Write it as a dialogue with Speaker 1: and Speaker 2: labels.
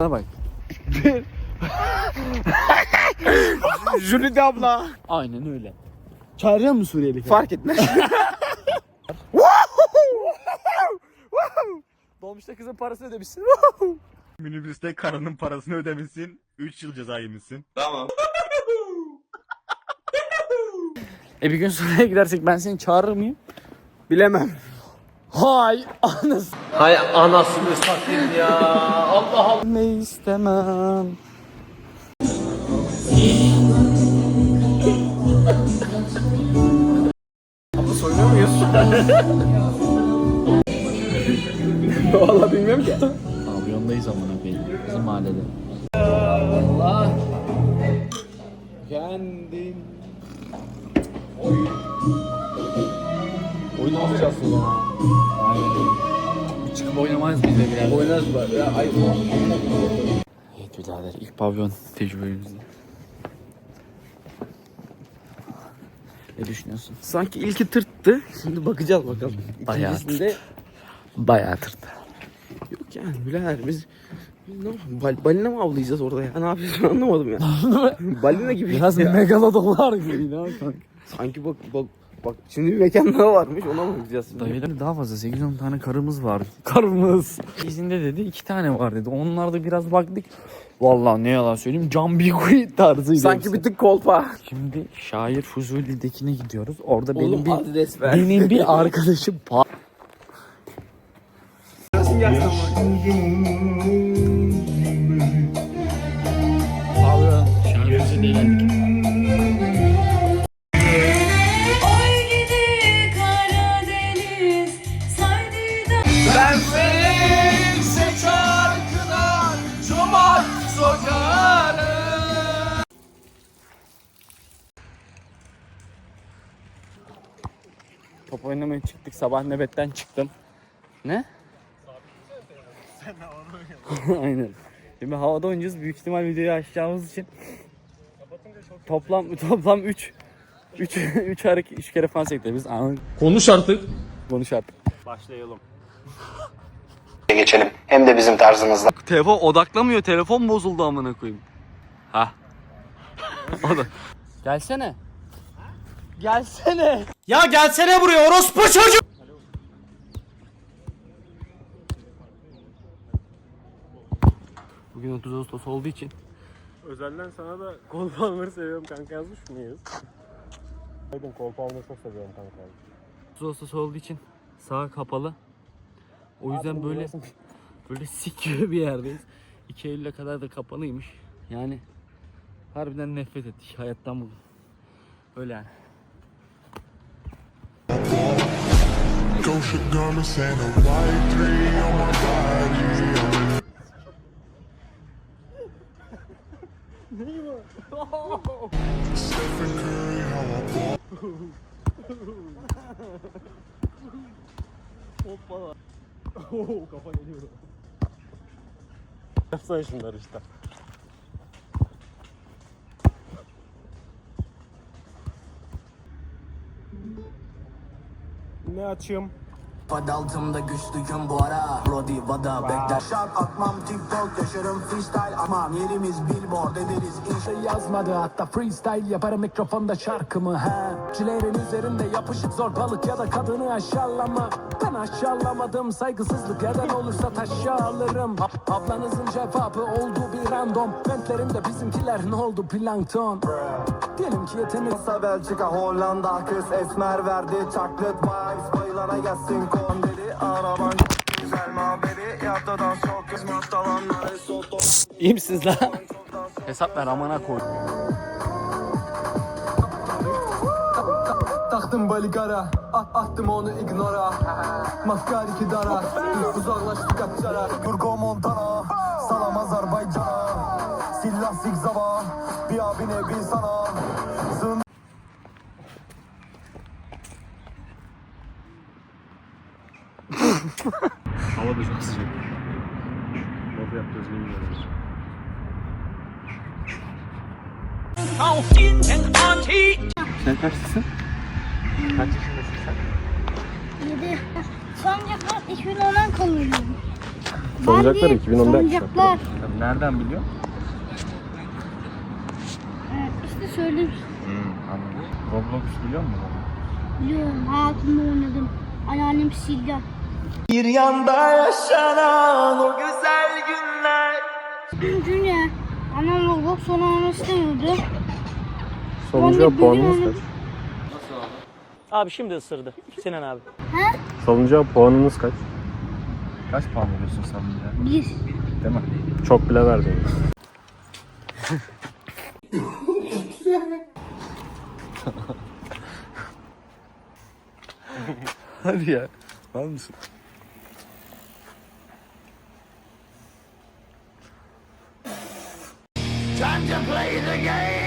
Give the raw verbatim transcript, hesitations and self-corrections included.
Speaker 1: Bana bak.
Speaker 2: Jülide abla.
Speaker 1: Aynen öyle. Çağırıyor mu Suriyeli?
Speaker 2: Fark etmez.
Speaker 1: Dolmuşta kızın parasını ödemişsin.
Speaker 3: Minibüste karının parasını ödemişsin. üç yıl ceza yemişsin. Tamam.
Speaker 1: E bir gün Suriye'ye gidersek ben seni çağırır mıyım?
Speaker 2: Bilemem.
Speaker 1: Hay anasını.
Speaker 4: Hay anasını satayım ya. Allah Allah.
Speaker 1: Ne istemem.
Speaker 2: Abla soyunuyor muyuz? Vallahi bilmiyorum ki.
Speaker 1: Pavyondayız amına koyayım. Bizim mahallede. Allah.
Speaker 2: Kendin. Oy. Oynamayacaksın ya.
Speaker 1: Bir çıkıp oynamayız biz de birader.
Speaker 2: Oynarız bari ya. Ay.
Speaker 1: Evet birader ilk pavyon tecrübemizde. Ne düşünüyorsun?
Speaker 2: Sanki ilki tırttı. Şimdi bakacağız bakalım.
Speaker 1: Bayağı
Speaker 2: İkincisinde
Speaker 1: bayağı tırtı.
Speaker 2: yok yani birader biz biz ne yapalım? Bal, balina mı avlayacağız orada ya? Ne yapıyorsun anlamadım ya. Balina gibi.
Speaker 1: Biraz
Speaker 2: ya.
Speaker 1: megalodonlar gibi ne kanka.
Speaker 2: Sanki bak bak bak şimdi bir mekan daha varmış ona mı gideceğiz şimdi?
Speaker 1: Dayılar daha fazla sekiz on tane karımız var. Karımız. İzinde dedi iki tane var dedi. Onlarda biraz baktık. Vallahi ne yalan söyleyeyim Can Bigui tarzıydı.
Speaker 2: Sanki
Speaker 1: hepsi.
Speaker 2: bir tık kolpa.
Speaker 1: Şimdi Şair Fuzuli'dekine gidiyoruz. Orada benim
Speaker 2: Oğlum
Speaker 1: bir
Speaker 2: adres ver.
Speaker 1: benim bir arkadaşım pa- Top oynamaya çıktık. Sabah nöbetten çıktım. Ne? Sen havada oynadın. Aynen. Şimdi havada oynayacağız. Büyük ihtimal videoyu açacağımız için toplam toplam üç üç üç hareket üç kere falan sekti. Biz anladık.
Speaker 4: Konuş artık.
Speaker 1: Konuş artık.
Speaker 3: Başlayalım.
Speaker 5: Geçelim. Hem de bizim tarzımızda.
Speaker 1: Telefon odaklamıyor. Telefon bozuldu amına koyayım. Ha. O da. Gelsene. Gelsene.
Speaker 4: Ya gelsene buraya orospu çocuk.
Speaker 1: Bugün otuz Ağustos olduğu için
Speaker 3: Özelden sana da kolpa almayı seviyorum kanka yazmış mıyız? Aydın kolpa almayı çok seviyorum kanka.
Speaker 1: otuz Ağustos olduğu için sağ kapalı. O yüzden böyle böyle sik gibi bir yerdeyiz. iki Eylül'e kadar da kapalıymış. Yani harbiden nefret ettik hayattan bugün. Öyle yani.
Speaker 6: Gosha garments and a white three on my body. Stephen Curry, how I ball.
Speaker 3: Hoppala. Oo kafa geliyor. Yapsana şunları işte. Ne açayım?
Speaker 7: Altımda güçlüyüm bu ara Brody Vada bekler Şark atmam TikTok yaşarım freestyle Aman yerimiz billboard ederiz İnşa yazmadı hatta freestyle yaparım mikrofonda şarkımı he Cilerin üzerinde yapışık zor balık ya da kadını aşağılama Ben aşağılamadım saygısızlık neden olursa taşa alırım Ablanızın cevabı oldu bir random Ventlerimde bizimkiler ne oldu plankton Diyelim ki yetenek
Speaker 8: Belçika, Hollanda kız esmer verdi chocolate vibes bayılana gelsin kon dedi araban güzel mabedi yaptı dans çok kısmet alanları soto.
Speaker 1: İyi misiniz lan? Hesap ver amana koy.
Speaker 8: Taktım baligara at, attım onu ignora Maskar iki dara uzaklaştık açara Kurgo Montana salam Azerbaycan'a Silah zigzava bir abine bir sana Zın
Speaker 3: Hava da çok sıcak. Nasıl yapacağız bilmiyorum.
Speaker 1: Sen kaçlısın?
Speaker 3: Kaç yaşındasın sen?
Speaker 9: yedi. Son yapmak iki bin ondan kalıyordum.
Speaker 3: Salıncaklar iki bin onda yapmışlar.
Speaker 5: Salıncaklar.
Speaker 1: Tabii nereden biliyorsun?
Speaker 5: Evet, işte söyleyeyim.
Speaker 1: Hmm, anladım. Roblox biliyor musun?
Speaker 5: Biliyorum, hayatımda oynadım. Anneannem sildi.
Speaker 8: Bir yanda yaşanan o güzel günler.
Speaker 5: Çünkü annem Roblox sonra oynamak istemiyordu.
Speaker 3: Salıncağa
Speaker 5: Ben de
Speaker 3: puanınız
Speaker 5: biliyorum.
Speaker 3: kaç?
Speaker 4: Abi şimdi ısırdı. Sinan abi.
Speaker 5: He?
Speaker 3: Salıncağa puanınız kaç?
Speaker 1: Kaç puan veriyorsun salıncağa?
Speaker 5: Bir.
Speaker 1: Değil mi?
Speaker 3: Çok bile verdiniz.
Speaker 1: Hadi ya. Var mısın?
Speaker 8: Time to play the game.